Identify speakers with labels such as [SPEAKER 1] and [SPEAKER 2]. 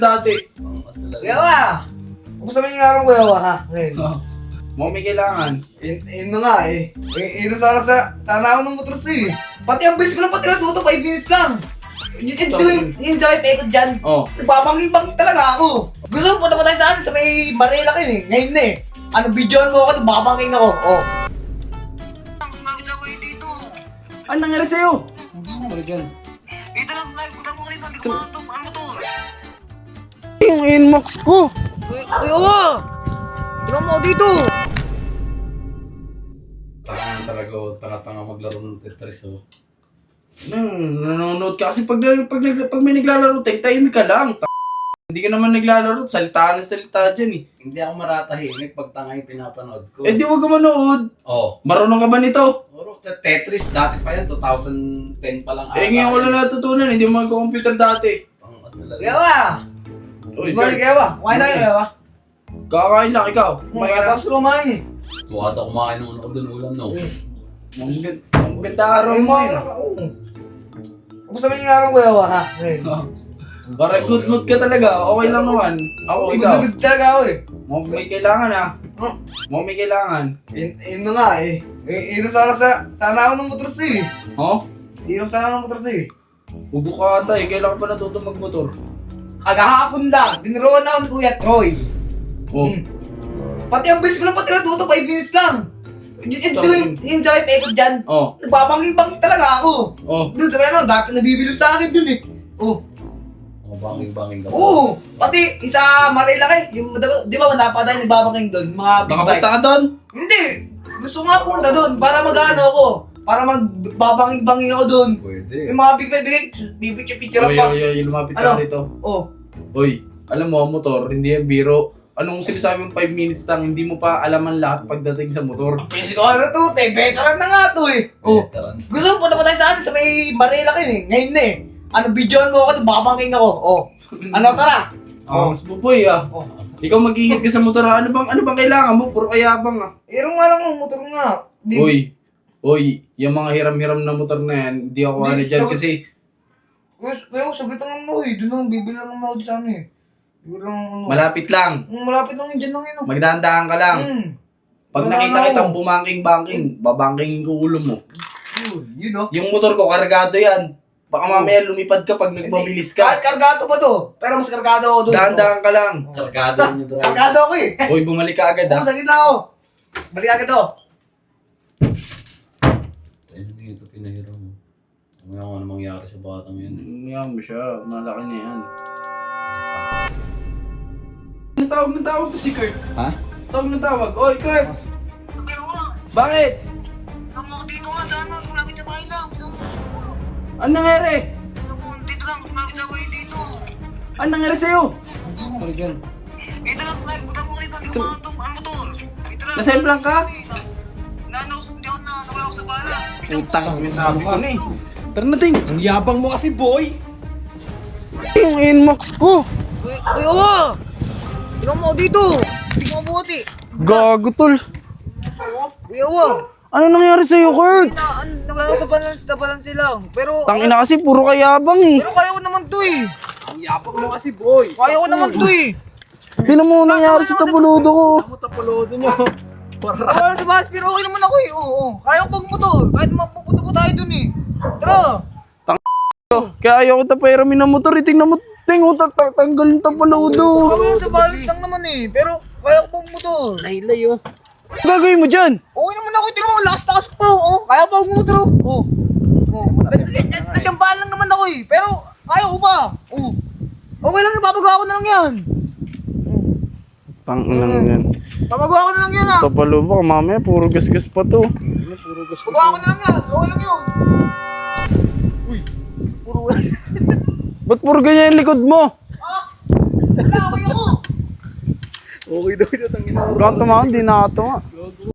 [SPEAKER 1] Dati.
[SPEAKER 2] Yawa! Kumusta man yung araw ko, Yawa, ha? Ngayon.
[SPEAKER 1] Mo may kailangan.
[SPEAKER 2] Yun na nga, eh. Inom sana ako ng motor eh. Pati ang bilis ko lang pati natuto, 5 minutes lang. Yung drive ikot dyan.
[SPEAKER 1] Oh.
[SPEAKER 2] Nagpapangibang talaga ako. Gusto mo punta pa tayo saan? Sa may Manila kayo eh. Ngayon na eh. Ano, videoan mo ako, nagpapangking ako. Oh.
[SPEAKER 1] Ano nangyari sa'yo? Ano dyan?
[SPEAKER 3] Dito lang, nagpunta mo dito. Hindi ko makatok. Ano to?
[SPEAKER 1] Yung inbox ko.
[SPEAKER 2] Yawa! Tignan mo ako dito.
[SPEAKER 4] Tangan talaga o tanga-tanga maglaro ng Tetris o.
[SPEAKER 1] Nanonood ka kasi pag may naglalaro, tahimik ka lang. Hindi ka naman naglalaro, salita na salita dyan eh.
[SPEAKER 4] Hindi ako maratahimik pag tanga yung pinapanood ko.
[SPEAKER 1] Eh di wag ka manood.
[SPEAKER 4] Oh.
[SPEAKER 1] Marunong ka ba nito?
[SPEAKER 4] Puro Tetris dati pa yan, 2010 pa lang.
[SPEAKER 1] Eh ngayon wala natutunan, hindi mo mag-computer dati.
[SPEAKER 4] Tangat talaga.
[SPEAKER 2] Yawa!
[SPEAKER 1] Uy,
[SPEAKER 2] Good morning, Yawa. Kumain na kayo, Yawa.
[SPEAKER 1] kakain lang ikaw.
[SPEAKER 2] Kumain na tapos kumain eh.
[SPEAKER 4] Tuwa ito kumain naman ako dun ulam no.
[SPEAKER 1] Ang ganda araw
[SPEAKER 2] Ay,
[SPEAKER 1] mo
[SPEAKER 2] mga
[SPEAKER 1] eh.
[SPEAKER 2] anak ako. Kumusta man yung araw ko, Yawa, ha? Ngayon.
[SPEAKER 1] Para good mood ka talaga, okay lang naman. Ako, ikaw.
[SPEAKER 2] Gusto talaga ako eh.
[SPEAKER 1] Mo may kailangan ah. Mo may kailangan.
[SPEAKER 2] Yun na nga eh. Inom sana ako ng motor eh.
[SPEAKER 1] Oh?
[SPEAKER 2] Inom sana ako ng motor eh.
[SPEAKER 1] Ubo ka ata eh, kailangan pa natuto magmotor.
[SPEAKER 2] Kagahapon lang, diniroon ako ni Kuya Troy.
[SPEAKER 1] Oh.
[SPEAKER 2] Pati ang bilis ko lang pati natuto, 5 minutes lang. Yung drive ikot dyan.
[SPEAKER 1] Oh.
[SPEAKER 2] Nagpapangibang talaga ako.
[SPEAKER 1] Oh.
[SPEAKER 2] Doon sa ano, dati nabibilog sa akin dun eh. Oh.
[SPEAKER 4] Oh, banging-banging daw.
[SPEAKER 2] Oo. Pati isa Manila kayo. Yung, di ba manapa tayo nagbabaking doon? Mga big
[SPEAKER 1] Nakapunta
[SPEAKER 2] bike.
[SPEAKER 1] ka doon?
[SPEAKER 2] Hindi. Gusto nga punta doon para mag-ano ako. Para magbabanging-banging ako doon.
[SPEAKER 4] Pwede.
[SPEAKER 2] Yung mga big bike, bibicture-picture
[SPEAKER 1] Oy,
[SPEAKER 2] pa.
[SPEAKER 1] oy, oy, lumapit
[SPEAKER 2] Ano?
[SPEAKER 1] ka dito.
[SPEAKER 2] Oh.
[SPEAKER 1] Oy, alam mo, motor, hindi yan biro. Anong sinasabi mo 5 minutes lang, hindi mo pa alaman lahat pagdating sa motor.
[SPEAKER 2] Basic ko na to, veteran na nga to eh. Oh.
[SPEAKER 4] Veterans.
[SPEAKER 2] Gusto mo punta pa tayo saan? Sa may Manila kayo eh. Ngayon na eh. Ano, videoan mo ako, babangking ako. Oh. Ano, tara.
[SPEAKER 1] Mas buboy ah.
[SPEAKER 2] Oh.
[SPEAKER 1] Ikaw mag-ingat ka sa motor ah. Ano bang kailangan mo? Puro kayabang ah.
[SPEAKER 2] Irong nga lang ang motor nga.
[SPEAKER 1] Oy, yung mga hiram-hiram na motor na yan, hindi ako ano
[SPEAKER 2] Hindi,
[SPEAKER 1] dyan
[SPEAKER 2] sabi-
[SPEAKER 1] kasi
[SPEAKER 2] Kuya, sabit lang mo eh. Doon lang, bibili lang naman ako sa ano eh. Bibili lang ano.
[SPEAKER 1] malapit lang.
[SPEAKER 2] Malapit lang yun, dyan lang yun. Oh.
[SPEAKER 1] Magdahan-dahan ka lang. Pag
[SPEAKER 2] Wala
[SPEAKER 1] nakita
[SPEAKER 2] na
[SPEAKER 1] kitang
[SPEAKER 2] ako.
[SPEAKER 1] bumangking-bangking, babangkingin ko ulo mo.
[SPEAKER 2] Yun oh.
[SPEAKER 1] Yung motor ko, kargado yan. Baka mamaya lumipad ka pag nagmabilis
[SPEAKER 2] Kahit
[SPEAKER 1] ka.
[SPEAKER 2] kargado pa to. Pero mas kargado ako doon.
[SPEAKER 1] Dahan-dahan ka lang.
[SPEAKER 4] Kargado yung drive.
[SPEAKER 2] Kargado ako eh.
[SPEAKER 1] Hoy, bumalik ka agad ah.
[SPEAKER 2] Sakit lang ako. Balik agad ako.
[SPEAKER 4] Ayun ito pinahiram mo. Ano mangyari sa batang yun.
[SPEAKER 1] Yan mo siya, malaki na yan. Ang tawag to si Kurt.
[SPEAKER 4] Ha?
[SPEAKER 1] Tawag. Oy, Kurt!
[SPEAKER 3] Ewa!
[SPEAKER 1] Bakit?
[SPEAKER 3] Ako dito nga sana. Malapit sa bahay lang.
[SPEAKER 1] Ano nangyari?
[SPEAKER 3] Ako, dito lang. Malapit sa bahay dito.
[SPEAKER 1] Ano nangyari sa'yo?
[SPEAKER 4] Ano dyan?
[SPEAKER 3] Dito lang, nagpunta mo dito. Hindi ko makatok. Ano to? Dito lang.
[SPEAKER 1] Nasemplang ka?
[SPEAKER 3] Naano ko, hindi ako na. Nawala ako sa bala.
[SPEAKER 1] Utang, may sabi ko na eh. Tara na, Ting!
[SPEAKER 4] Ang yabang mo kasi boy!
[SPEAKER 1] Yung inbox ko!
[SPEAKER 2] Uy, awa! Tignan mo ako dito. Hindi ko mabuti.
[SPEAKER 1] Gago, tol.
[SPEAKER 2] Uy, awa!
[SPEAKER 1] Ano nangyari sa'yo, Kurt?
[SPEAKER 2] Nawala ako sa balance lang. Pero,
[SPEAKER 1] Tangina kasi, puro kayabang eh.
[SPEAKER 2] pero kaya ko naman to eh.
[SPEAKER 4] Ang yabang mo kasi boy!
[SPEAKER 2] Kaya ko naman to eh.
[SPEAKER 1] Tingnan mo nangyari sa tabuludo ko.
[SPEAKER 4] Mutapulodo nyo!
[SPEAKER 2] Nawala sa balance pero okay naman ako eh. Oo. Kaya ko pagmotor. Kahit mapupunta po tayo dun eh. Tara!
[SPEAKER 1] Kaya ayaw ko tapairamin ng motor. Tingnan mo, Ting, tanggal yung tapaludo.
[SPEAKER 2] Nawala sa balance lang naman eh. Pero kaya ko pagmotor.
[SPEAKER 1] Laylay oh. Ano gagawin mo dyan?
[SPEAKER 2] Okay naman ako. Tignan mo, lakas-takas ko. Oh. Kaya ko pagmotor. Oh. Natsambahan lang naman ako eh. Pero kaya ko pa. Oh. Okay lang, ipapagawa ko na lang yan.
[SPEAKER 1] Tanginang yan.
[SPEAKER 2] Papagawa ko na lang yan ah.
[SPEAKER 1] Tapalubo ka mamaya, puro gas-gas pa to.
[SPEAKER 2] Pagawa ko na lang yan. Okay lang yun.
[SPEAKER 1] Ba't puro ganyan yung likod mo?
[SPEAKER 2] Wala, okay ako.
[SPEAKER 1] Kung tumawag, di na ito nga.